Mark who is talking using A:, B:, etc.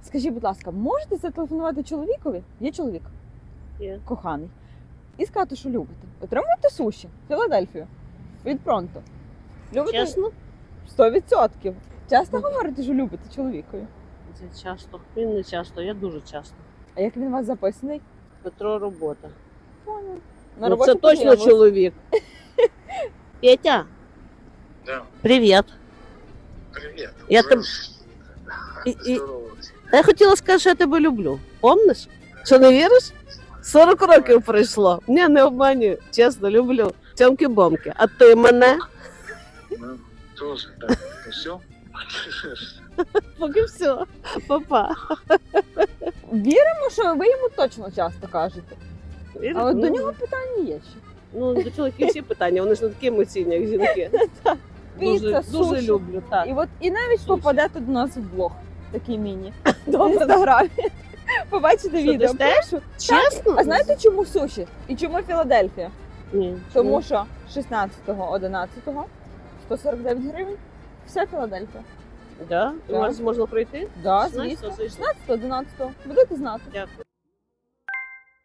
A: Скажіть, будь ласка, можете зателефонувати чоловікові? Є чоловік
B: Є.
A: коханий. І сказати, що любите. Отримуєте суші, Філадельфію. Від Пронто. Любите?
B: Чесно?
A: 100%. Часто говорите, що любите чоловікові?
B: Це часто. Він не часто, я дуже часто.
A: А як він у вас записаний?
B: Петро робота.
A: Понял.
B: Ну, це точно чоловік. Петя,
C: Да,
B: привіт.
C: привет.
B: Я
C: Уже
B: там-
C: здорово.
B: Я хотіла сказати, що я тебе люблю. Помниш? Що не віриш? 40 років пройшло. Ні, не обманюю. Чесно, люблю. Цьомки-бомки. А ти мене?
C: Ну, тоже, да. Ну все?
B: Поки все. Папа.
A: Віримо, що ви йому точно часто кажете. А от
B: Ну,
A: до нього питання є ще.
B: Ну, до чоловіків всі питання, вони ж не такі емоційні, як жінки.
A: Піца,
B: Дуже
A: суші.
B: люблю, так.
A: І навіть
B: Суші.
A: попадете до нас в блог. Такий міні. В
B: Добре.
A: інстаграмі. Побачите
B: Що,
A: відео.
B: дасте?
A: Прошу.
B: Чесно?
A: А знаєте, чому суші? І чому Філадельфія?
B: Ні.
A: Тому що 16-11 149 гривень. Вся Філадельфія.
B: Да? У
A: Так.
B: вас можна пройти?
A: Да,
B: 16-го
A: звісно.
B: зайшли.
A: 16-11. Будете знати.
B: Дякую.